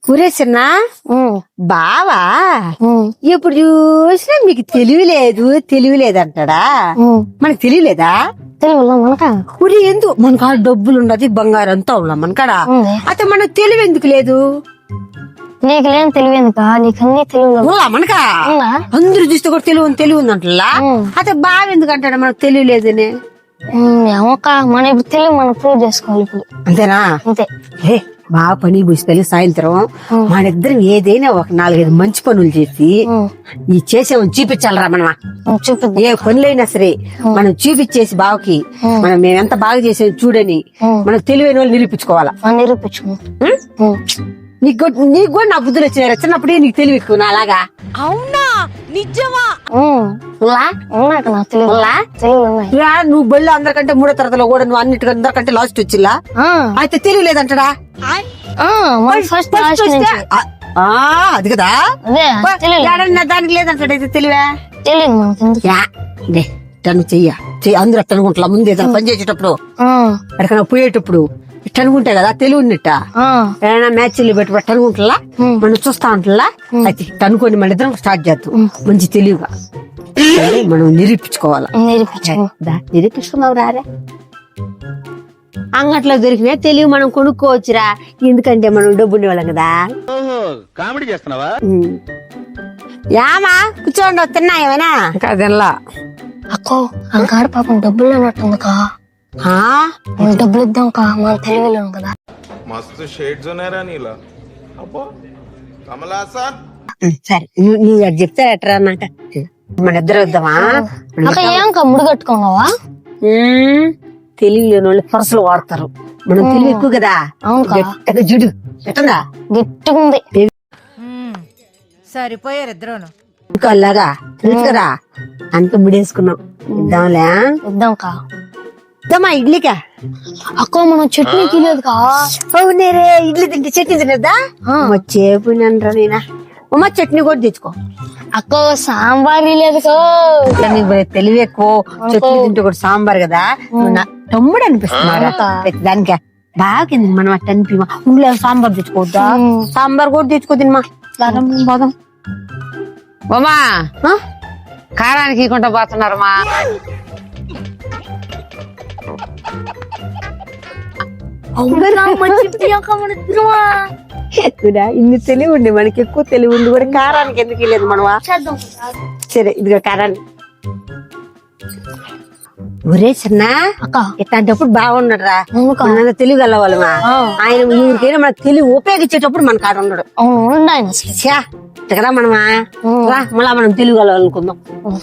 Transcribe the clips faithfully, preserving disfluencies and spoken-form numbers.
కురేసన్నా బావా ఎప్పుడు చూసినా మీకు తెలివి లేదు తెలివి లేదంటాడా? మనకు తెలియలేదా? ఉరి ఎందుకు మన కాడ డబ్బులు ఉన్నది బంగారం అంతా ఉన్నా మన కాడ అయితే మనకు తెలివి ఎందుకు లేదు? నీకు లేని తెలివి ఎందుకా? నీకు అన్ని తెలివి మనకా అందరూ చూస్తే కూడా తెలివి తెలివి ఉందంటలా అయితే బావ ఎందుకు అంటాడా మనకు తెలివి లేదని? ఏమోక మన ఇప్పుడు తెలివి మనం ప్రూవ్ చేసుకోవాలి ఇప్పుడు. అంతేనా? అంతే. ఏ బాగా పని పూసిపోయి సాయంత్రం మనిద్దరం ఏదైనా ఒక నాలుగైదు మంచి పనులు చేసి ఈ చేసేవని చూపించాలరా మనమా. ఏ పనులైనా సరే మనం చూపించేసి బావకి మనం మేము ఎంత బాగా చేసే చూడని మనం తెలివైన వాళ్ళు నిరూపించుకోవాలా. నిరూపించుకో. నీకు నీకు కూడా నా బుద్ధులు వచ్చినారా? చిన్నప్పుడే నీకు తెలివి ఎక్కువ నా అలాగా. అవునా? నిజమా? నువ్వు బళ్ళు అందరికంటే మూడో తరగతిలో కూడా నువ్వు అన్నిటికంటే అందరికంటే లాస్ట్ వచ్చిల్లా అయితే తెలివి లేదంటాడా? అది కదా దానికి లేదంటాడు. అయితే తెలివే తను చెయ్య అందరూ అట్ట అనుకుంటా ముందు ఏదైనా పని చేసేటప్పుడు ఎక్కడికైనా పోయేటప్పుడు ఇట్ట అనుకుంటే కదా తెలివి ఉన్నట్ట. ఏదైనా మ్యాచ్లు పెట్టి పెట్ట అనుకుంటా మనం చూస్తా ఉంటలా అయితే ఇట్ట అనుకోని మన ఇద్దరం స్టార్ట్ చేద్దాం మంచి తెలివిగా మనం నిరూపించుకోవాలా. నిరూపించుకున్నావు రారే అంగట్లో దొరికినా తెలివి మనం కొనుక్కోవచ్చురా. ఎందుకంటే మనం డబ్బు ఉండేవాళ్ళం కదా. కామెడీ చేస్తున్నావా? యామా కూర్చోండి తిన్నా ఏమైనా తినలా. అక్కో అంకాడ పాపం డబ్బులు అన్నట్టుందికా. డబ్బులు ఇద్దాం కా మనం తెలియలేము కదా. మస్తు షేడ్స్ ఉన్నారా నీలా? అబ్బో కమలాసన్. సరే నువ్వు అది చెప్తే ఎట్రా అన్నాక మన ఇద్దరు వద్దామా? ఏం ముడి కట్టుకున్నావా? తెలివి లేని వాళ్ళు పరసలు వాడతారు. మనం తెలివి ఎక్కువ కదా. అవును జుడు ఎట్టంగా గట్టిగా ఉంది. సరిపోయారు ఇద్దరును. ఇంకా అలాగా తెలుసు కదా అంత ముడేసుకున్నాం. ఇద్దాంలే ఇద్దాం కా. ఇద్దామా ఇడ్లీకా? అక్క మనం చట్నీకి లేదు కా. అవునేరే ఇడ్లీ తింటే చట్నీ తినద్దా? చేపునండ్రా నేనా ఉమ్మా చట్నీ కూడా తెచ్చుకో. అక్కో సాంబార్ లేదు తెలివి ఎక్కువ చట్నీ తింటే కూడా సాంబార్ కదా. తమ్ముడు అనిపిస్తున్నారా దానికే బాగా కింద మనం అట్ట అనిపిమా ఉండే సాంబార్ తెచ్చుకోవద్దా? సాంబార్ కూడా తెచ్చుకో తినమా పోదాం. ఉమా కారానికి ఇవ్వకుండా పోతున్నారమ్మా. ఇన్ని తెలివి ఉండి మనకి ఎక్కువ తెలివి ఉంది కూడా కారానికి ఎందుకు వెళ్ళలేదు మనవా? సరే ఇదిగో కారాన్ని. ఒరే చిన్న ఇట్లాంటప్పుడు బాగున్నాడు రా. తెలివి గలవాళ్ళమా ఆయన ఊరికైనా మనకు తెలివి ఉపయోగించేటప్పుడు మన కాడ ఉన్నాడు కదా. మనమా రా మళ్ళా మనం తెలివి గలవాలనుకుందాం.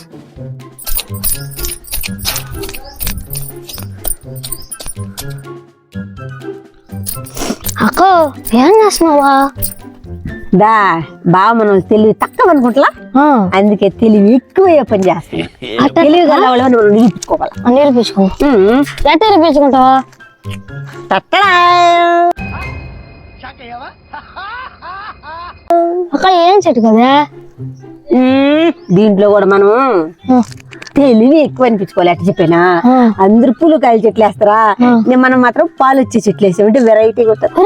అక్కో ఏం చేస్తున్నావా? దా బాగా మనం తెలివి తక్కువ అనుకుంటా అందుకే తెలివి ఎక్కువ పని చేస్తాం. తెలివి గలవాళ్ళ మనం నిరూపించుకోవాలా. నిరూపించుకో. ఎట్లా నిరూపించుకుంటావా? అక్క ఏం చెట్టు కదా దీంట్లో కూడా మనం తెలివి ఎక్కువ అనిపించుకోవాలి. అట్లా చెప్పానా? అందరు పూలు కాయలు చెట్లు వేస్తారా, మనం మాత్రం పాలు వచ్చే చెట్లు వేసామంటే వెరైటీ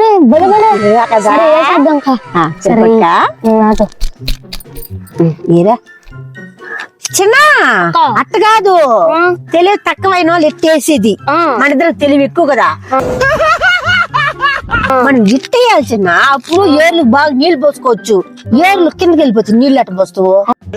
మీరా చిన్న అట్ట కాదు. తెలివి తక్కువైన వాళ్ళు ఎట్టేసేది మన ఇద్దరు తెలివి ఎక్కువ కదా. మనం ఇట్టేయాల్సిన అప్పుడు ఏర్లు బాగా నీళ్లు పోసుకోవచ్చు. ఏర్లు కిందకి వెళ్ళిపోతుంది నీళ్ళు అట్ట పోస్తావు.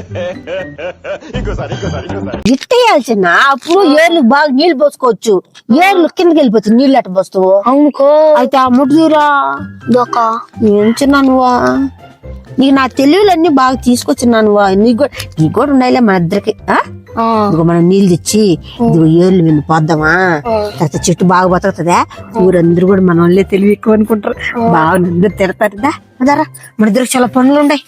ఇట్టేయాల్సిన అప్పుడు ఏర్లు బాగా నీళ్లు పోసుకోవచ్చు. ఏర్లు కిందకి వెళ్ళిపోతుంది నీళ్ళు అట్ట పోస్తావు. అవునుకో అయితే ఆ ముట్టుదూరా దొక్క ఏం చిన్నా నువ్వా? నీకు నా తెలివిలన్నీ బాగా తీసుకొచ్చినా నువ్వా? నీకు కూడా నీకు కూడా ఉండాలి మన ఇద్దరికి. ఇదిగో మనం నీళ్ళు తెచ్చి ఇదిగో ఏర్లు వెళ్ళి పోద్దామా? తర్వాత చెట్టు బాగా బతుకుతుందా? ఊరందరూ కూడా మన వాళ్ళే తెలివి ఎక్కువ అనుకుంటారు. బాగా అందరు తిడతారుదా అదారా మన ఇద్దరికి చాలా పనులు ఉన్నాయి.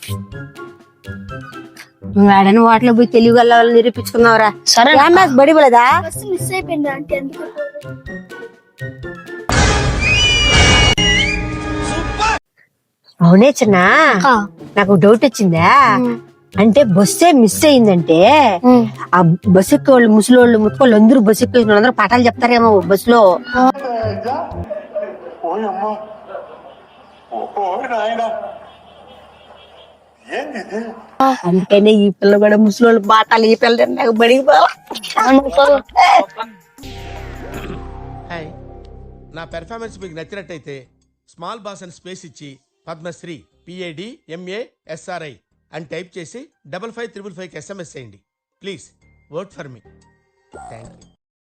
నువ్వు ఆడని వాటిలో పోయి తెలివి గల వాళ్ళని నిరూపించుకున్నావురా. సరే బడి పోలేదా? మిస్ అయిపోయింది అంటే అవునే చిన్న నాకు డౌట్ వచ్చిందా? అంటే బస్సే మిస్ అయిందంటే ఆ బస్సు ఎక్కే వాళ్ళు ముసలోళ్ళు ముట్టుకోళ్ళు అందరూ బస్సు ఎక్కే అందరూ పాఠాలు చెప్తారేమో బస్సులో. అందుకనే ఈ పిల్ల కూడా ముసలోళ్ళు బాటాలు ఈ పిల్ల నాకు బడికి పోవాలా. హాయ్, నా పెర్ఫార్మెన్స్ మీకు నచ్చినట్టయితే స్మాల్ బాస్ అని స్పేస్ ఇచ్చి పద్మశ్రీ పిఏడి ఎంఏ ఎస్ఆర్ఐ అని టైప్ చేసి డబల్ ఫైవ్ త్రిబుల్ ఫైవ్కి ఎస్ఎంఎస్ చేయండి please. Work for me. Thank you.